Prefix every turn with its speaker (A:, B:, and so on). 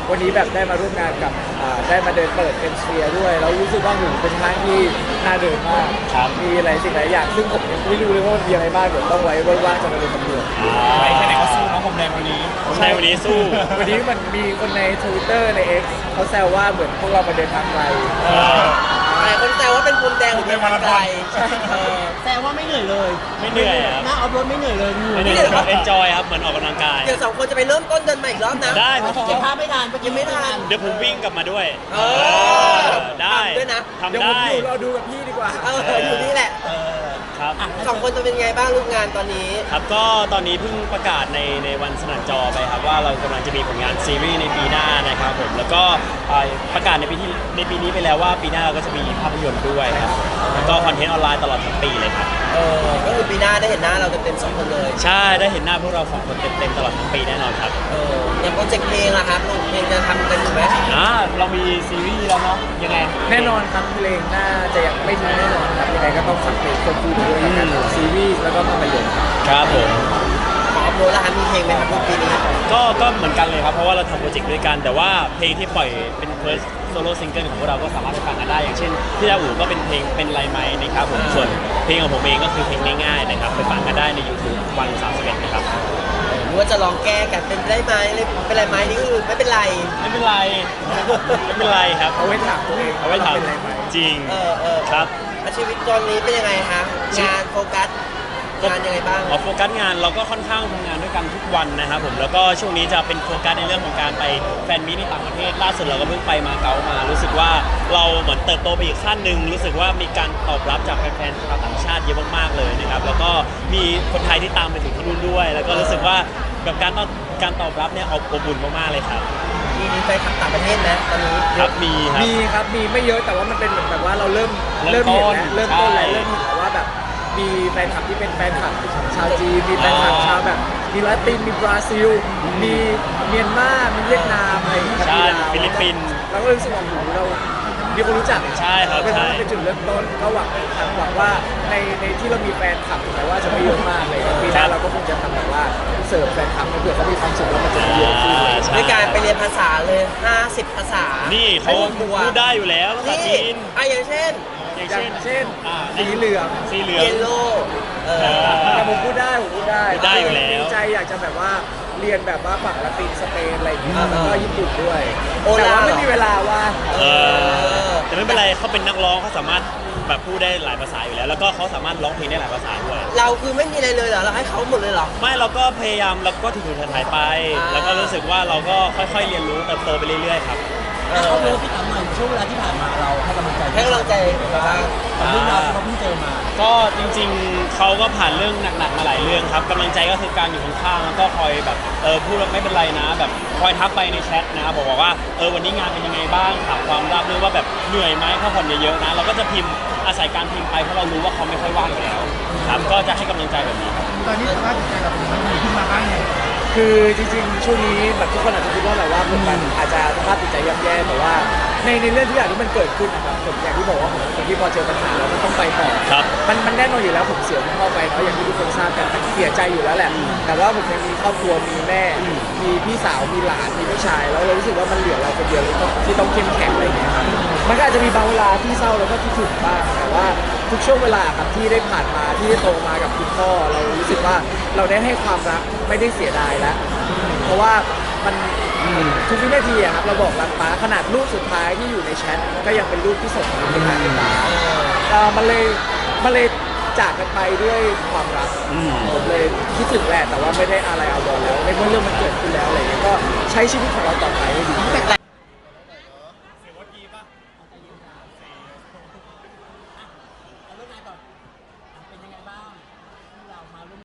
A: วันนี้แบบได้มาร่วมงานกับได้มาเดินเปิดเป็นสเฟียร์ด้วยแล้วรู้สึกว่าหูเป็นห้างที่น่าเดินมากมีหลายสิ่งหลายอย่างซึ่งผมยังไม่รู้เลยว่ามันมีอะไรบ้างเดี๋ยวต้องไว้ว่างๆจะมาเดินสำรวจ
B: ใครไหนก็สู้น้องผมแดงวันนี้
C: ใช่วันนี้สู้
A: วันนี้มันมีคนใน Twitter ใน X เขาแซวว่าเหมือนพวกเรามาเดินทางไกล
D: หลายคนแซวว่าเป็นพรมแดงหรือเป็นอะไร
E: แสดงว่าไม่เหนื่อยเลย
C: ไม่เหนื่อยครับ
E: หน้าออฟโรดไม่เหนื่อยเลย
C: ไม่เหนื่อยครับเอนจอยครับเหมือนออกกำลังกาย
D: เดี๋ยวสองคนจะไปเริ่มต้นเดินใหม่อีกรอบนะ
C: ได้
E: เก็บภาพไม่ทันเมื่อกี้ไม่ทัน
C: เดี๋ยวผมวิ่งกลับมาด้วย
D: เออ
C: ได้
D: ทำด้วยนะ
C: ทำ
A: เดี๋ยวผม
C: ได้
A: อยู่เราดูกับพี่ดีกว่า
D: อยู่นี่แหละ
C: ครับ
D: สองคนจะเป็นไงบ้างรูปงานตอนนี้
C: ครับก็ตอนนี้เพิ่งประกาศในวันสนั่นจอไปครับว่าเรากำลังจะมีผลงานซีรีส์ในปีหน้านะครับผมแล้วก็ประกาศในปีนี้ไปแล้วว่าปีหน้าเราก็จะมีภาพยนตร์ด้วยครับแล้วก็คอนเทนต์ออนไลน์ตลอดทั้งปีเลยครับ
D: ก็คือปีหน้าได้เห็นหน้าเราเต็มๆสองคนเลย
C: ใช่ได้เห็นหน้าพวกเราสองคนเต็มๆตลอดทั้งปีแน่นอนครับ
D: อย่างโปรเจกต์เพลงล่ะครับลงเพลงจะทำกันอยู่ไหม
C: เรามีซีรีส์แล้วเนาะยังไง
A: แน่นอนครับเพลงน่าจะยังไม่ทิ้งแน่นอนครับยังไงก็ต้องฝากเพลงควบคู่ไปด้วยแล้วกันซีรีส์แล้วก็ภาพยนตร์ครับ
C: ครับผม
D: ของอัพโหลดล่ะครับมีเพลงไหมครับปีนี้
C: ก็เหมือนกันเลยครับเพราะว่าเราทำโปรเจกต์ด้วยกันแต่ว่าเพลงที่ปล่อยเป็น first solo single ของพวกเราก็สามารถไปฟังกันได้อย่างเช่นที่ดาอูก็เป็นเพลงเป็นไรไหมนะครับผมส่วนเพลงของผมเองก็คือเพลงง่ายๆนะครับไปฟังกันได้ใน YouTube วัน31นะครับ
D: หรือว่าจะลองแก้กันเป็นได้ไหมเป็นไรไหมนี่คือไม่เป็นไร
C: ไม่เป็นไรไม่เป็นไรครับ
A: เอาไว้ถามตัวเอง
C: เอาไว้ถาม
A: เป็นอะไรไหม
C: จริง ครับ
D: ชีวิตตอนนี้เป็นยังไงคะงานโฟกัสงานยังไงบ้าง
C: โฟกัสงานเราก็ค่อนข้างทำงานด้วยกันทุกวันนะครับผมแล้วก็ช่วงนี้จะเป็นโฟกัสในเรื่องของการไปแฟนมีตในต่างประเทศล่าสุดเราก็เพิ่งไปมาเก๊ามา รู้สึกว่าเราเหมือนเติบโตไปอีกขั้นหนึ่งรู้สึกว่ามีการตอบรับจากแฟนๆชาวต่างชาติเยอะมากๆเลยนะครับแล้วก็มีคนไทยที่ตามไปถึงที่นู่นด้วย แล้วก็รู้สึกว่าแบบการตอบรับเนี่ยอบอุ่นมากๆเลยครับ
D: มีแฟนคลับต่างประเทศนะตอนนี้
C: ครับมีครับ
A: มีครับมีไม่เยอะแต่ว่ามันเป็นเหมือนแบบว่าเราเริ่ม
C: เริ่
A: เห็น
C: มต้น
A: แล้วเริ่มต้นแล้ว
C: ใช่
A: เริ่มเห็นแล้วว่าแบบมีแฟนคลับที่เป็นแฟนคลับชาวจีนมีแฟนคลับชาวแบบมีลาตินมีบราซิล มีเมียนมามีเวียดนามอะไรอย่างเงี้ย
C: ใช่
A: มีลาว
C: ฟิลิปปินส์
A: เราก็รู้สึกว่าโอ้โหเรามีคนรู้จัก
C: ใช่ครับ
A: เป็น
C: ใช่
A: เป็นจุดเริ่มต้นก็หวังว่าในที่เรามีแฟนคลับถึงแม้ว่าจะไม่เยอะมากเลยปีหน้าเราก็คงจะทำแบบว่าเสิร์ฟแฟนคลับให้เผื่อเขามีความสุขแล้วมันจะเยอะขึ้นเลย
C: ใช่
D: ด้วยการไปเรียนภาษาเลย50ภาษา
C: นี่เขา
D: ไม่กลัว
C: พูดได้อยู่แล้วภาษา
D: นี่
C: จีน
D: อย่างเช่น
C: อย่าง
A: อย่างเช่น
C: อ่า
A: สีเหลือง
C: สีเหลือง
D: เยลโล่
A: แต่ผมพูดได้ผมพูดได้
C: พูดได้อยู่แล้ว
A: ดีใจอยากจะแบบว่าเรียนแบบว่าฝั่งละตินสเปนอะไรอย่างเงี้ย
D: อ่า
A: แล้วก็ญี่ปุ่นด้วย
D: โอลา
A: แต่ว่าไม่มีเวลาว่าง
C: แต่ไม่เป็นไรเขาเป็นนักร้องเขาสามารถแบบพูดได้หลายภาษาอยู่แล้ว แล้วก็เขาสามารถร้องเพลงได้หลายภาษาด้วย
D: เราคือไม่มีอะไรเลยเหรอเราให้เขาหมดเลยเหรอ
C: ไม่เราก็พยายามเราก็ถูๆถ่ายๆไป แล้วก็รู้สึกว่าเราก็ค่อยๆเรียนรู้เติบโตไปเรื่อยๆครับ
E: ออฟโรดที่ถามหน่อยช่วงเวลาที่ผ่านมาเราให้กำลังใจ
D: ให้กำลังใจบ้าง
E: กับเรื่องราวที่เราเพิ่งเจอมา
C: ก็จริงๆเขาก็ผ่านเรื่องหนักๆมาหลายเรื่องครับกำลังใจก็คือการอยู่ข้างๆแล้วก็คอยแบบพูดว่าไม่เป็นไรนะ แบบคอยทักไปในแชทนะบอกว่าวันนี้งานเป็นยังไงบ้างถามความราบรื่นว่าแบบเหนื่อยไหมพักผ่อนเยอะๆนะเราก็จะพิมพ์อาศัยการพิมพ์ไปเพราะเรารู้ว่าเขาไม่ค่อยว่างอยู่แล้วครับก็จะให้กำลังใจแบบนี้ครับ
E: ตอนนี้สภาพจิตใจเราเป็นยังไงขึ้นมาบ้างเนี่ย
A: คือจริงๆช่วงนี้แบบทุกคนอาจจะคิดว่าแบบว่าผมแบบอาจจะสภาพจิตใจย่ำแย่แต่ว่าในเรื่องทุกอย่างที่มันเกิดขึ้นนะครับผมอย่างที่บอกว่าผมเป็นคนที่พอเจอปัญหาแล้วมันต้องไปต่อ
C: ครับ
A: มันแน่นอนอยู่แล้วผมเสียคุณพ่อไปเนาะอย่างที่ทุกคนทราบกันมันเสียใจอยู่แล้วแหละแต่ว่าผมยังมีครอบครัวมีแม่มีพี่สาวมีหลานมีพี่ชายแล้วเรารู้สึกว่ามันเหลือเราคนเดียวที่ต้องเข้มแข็งอะไรอย่างเงี้ยครับมันก็อาจจะมีบางเวลาที่เศร้าแล้วก็คิดถึงบ้างแต่ว่าทุกช่วงเวลาครับที่ได้ผ่านมาที่ได้โตมากับคุณพ่อเรารู้สึกว่าเราได้ให้ความรักไม่ได้เสียดายแล้วเพราะว่ามันทุกวินาทีอะครับเราบอกรักป้าขนาดรูปสุดท้ายที่อยู่ในแชทก็ยังเป็นรูปที่ส่งมาเป็นทางป้ามันเลยจากกันไปด้วยความรักผมเลยคิดถึงแหละแต่ว่าไม่ได้อะไรเอาบอลแล้วในเมื่อเรื่องมันเกิดขึ้นแล้วอะไรเงี้ยก็ใช้ชีวิตของเราต่อไปให้ดี